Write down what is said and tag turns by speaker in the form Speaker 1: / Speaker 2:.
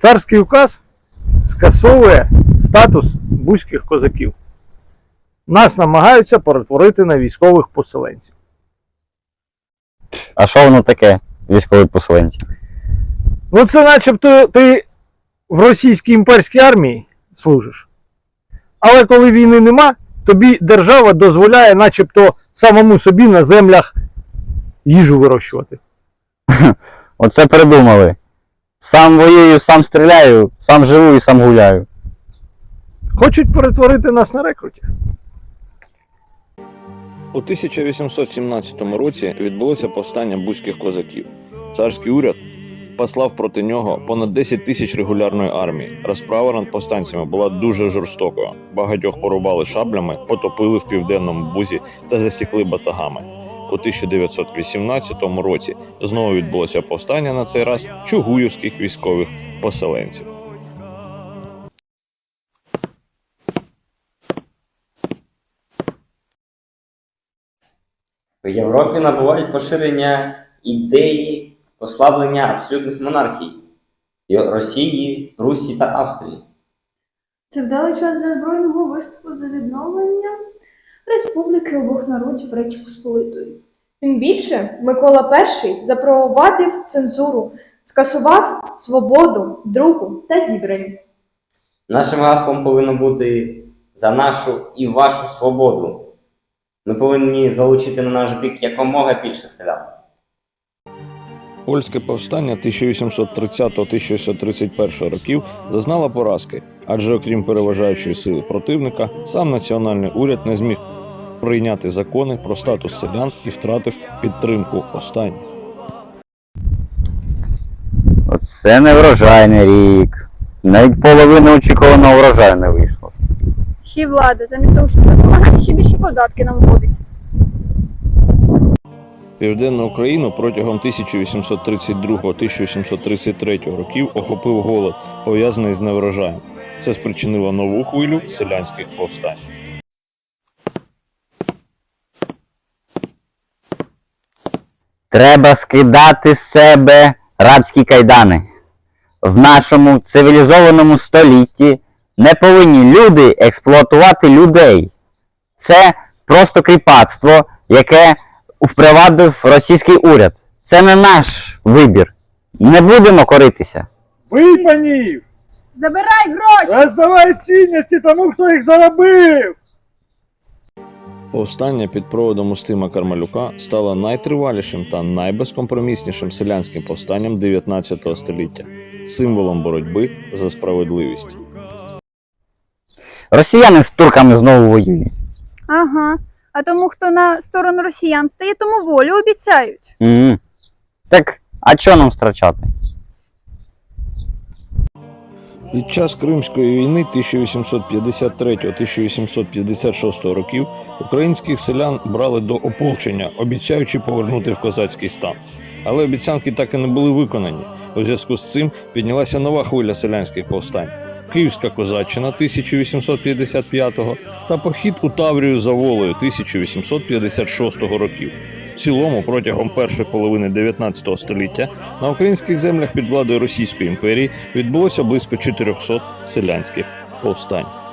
Speaker 1: Царський указ скасовує статус бузьких козаків. Нас намагаються перетворити на військових поселенців.
Speaker 2: А що воно таке, військові поселенці?
Speaker 1: Ну це начебто ти в російській імперській армії служиш. Але коли війни нема, тобі держава дозволяє начебто самому собі на землях їжу вирощувати.
Speaker 2: Оце придумали. Сам воюю, сам стріляю, сам живу і сам гуляю.
Speaker 1: Хочуть перетворити нас на рекрутів.
Speaker 3: У 1817 році відбулося повстання бузьких козаків. Царський уряд послав проти нього понад 10 тисяч регулярної армії. Розправа над повстанцями була дуже жорстокою. Багатьох порубали шаблями, потопили в південному Бузі та засікли батагами. У 1918 році знову відбулося повстання, на цей раз чугуївських військових поселенців.
Speaker 4: В Європі набувають поширення ідеї послаблення абсолютних монархій Росії, Прусії та Австрії.
Speaker 5: Це вдалий час для збройного виступу за відновлення республіки обох народів Речі Посполитої. Тим більше Микола І запровадив цензуру, скасував свободу друку та зібрань.
Speaker 4: Нашим гаслом повинно бути «За нашу і вашу свободу». Ми повинні залучити на наш бік якомога більше селян.
Speaker 3: Польське повстання 1830-1831 років зазнало поразки, адже окрім переважаючої сили противника, сам національний уряд не зміг прийняти закони про статус селян і втратив підтримку останніх.
Speaker 2: Оце не врожайний рік. Навіть половина очікуваного врожаю не вийшло.
Speaker 6: Ще й влада, замість того, щоб допомагати, ще більше податки нам вводить.
Speaker 3: Південну Україну протягом 1832-1833 років охопив голод, пов'язаний з неврожаєм. Це спричинило нову хвилю селянських повстань.
Speaker 2: Треба скидати з себе рабські кайдани. В нашому цивілізованому столітті не повинні люди експлуатувати людей. Це просто кріпацтво, яке впровадив російський уряд. Це не наш вибір. Не будемо коритися.
Speaker 1: Бий панів!
Speaker 6: Забирай гроші!
Speaker 1: Роздавай цінності тому, хто їх заробив!
Speaker 3: Повстання під проводом Устима Кармелюка стало найтривалішим та найбезкомпроміснішим селянським повстанням 19 століття, символом боротьби за справедливість.
Speaker 2: Росіяни з турками знову воюють.
Speaker 6: Ага. А тому, хто на сторону росіян стає, тому волю обіцяють.
Speaker 2: Так, а чого нам втрачати?
Speaker 3: Під час Кримської війни 1853-1856 років українських селян брали до ополчення, обіцяючи повернути в козацький стан. Але обіцянки так і не були виконані. У зв'язку з цим піднялася нова хвиля селянських повстань. Київська козаччина 1855 та похід у Таврію за Волею 1856 років. В цілому, протягом першої половини 19 століття на українських землях під владою Російської імперії відбулося близько 400 селянських повстань.